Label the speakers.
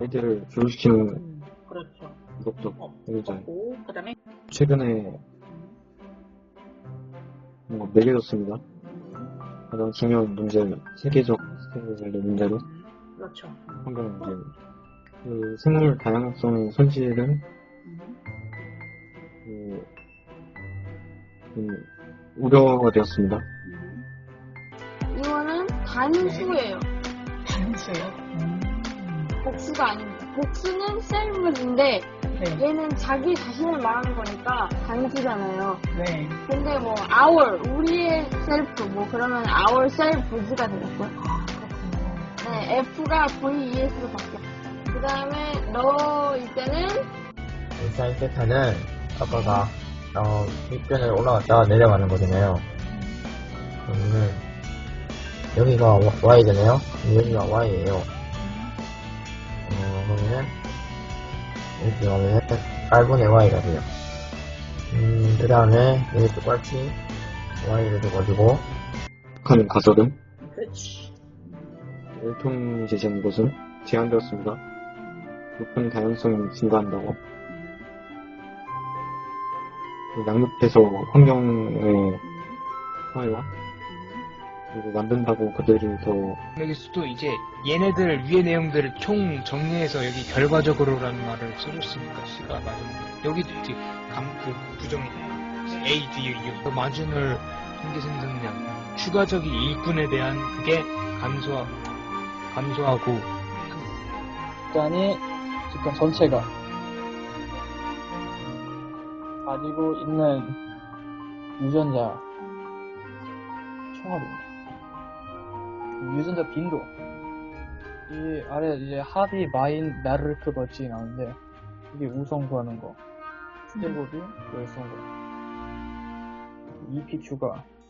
Speaker 1: 아이들을 교육시키는
Speaker 2: 그렇죠.
Speaker 1: 것도 굉장히
Speaker 2: 그렇고, 그 다음에,
Speaker 1: 최근에 뭔가 매겨졌습니다. 가장 중요한 문제, 세계적 스케일의 문제로
Speaker 2: 그렇죠.
Speaker 1: 환경 문제. 그 생물 다양성 손실은 우려가 되었습니다.
Speaker 3: 이거는 단수예요.
Speaker 2: 단수요?
Speaker 3: 복수가 아닙니다. 복수는 셀프인데
Speaker 2: 네.
Speaker 3: 얘는 자기 자신을 말하는 거니까 단수잖아요.
Speaker 2: 네.
Speaker 3: 근데 뭐 our 우리의 셀프 뭐 그러면 our selfs가 되겠고. 네, F가 VES로 바뀌어. 그 다음에 너일 때는
Speaker 4: 사인 세타는 아빠가 윗변을 올라갔다가 내려가는 거잖아요. 그러면은 여기가 Y잖아요. 여기가 Y예요. 그러면은 이렇게 가면은 8분의 Y가 돼요. 그 다음에 여기 똑같이 Y를 줘가지고
Speaker 1: 북한 가설은
Speaker 2: 그렇지.
Speaker 1: 일통 제시한 것은 제한되었습니다. 높은 다양성이 증가한다고. 양육해서 환경의 사회와 그리고 만든다고 그들이 더
Speaker 5: 여기서도 이제 얘네들 위의 내용들을 총 정리해서 여기 결과적으로라는 말을 써줬으니까 C가 맞은 여기도 이제 그 부정 A, D, U 마진을 통계 생성량 추가적인 일꾼에 대한 그게 감소하고
Speaker 6: 집단이 집단 전체가 가지고 있는 유전자 총합입니다. 유전자 빈도 이 아래 이제 합이 마인 나르크 버치 나오는데 이게 우성 구하는 거 스테고비 열성거 EPQ가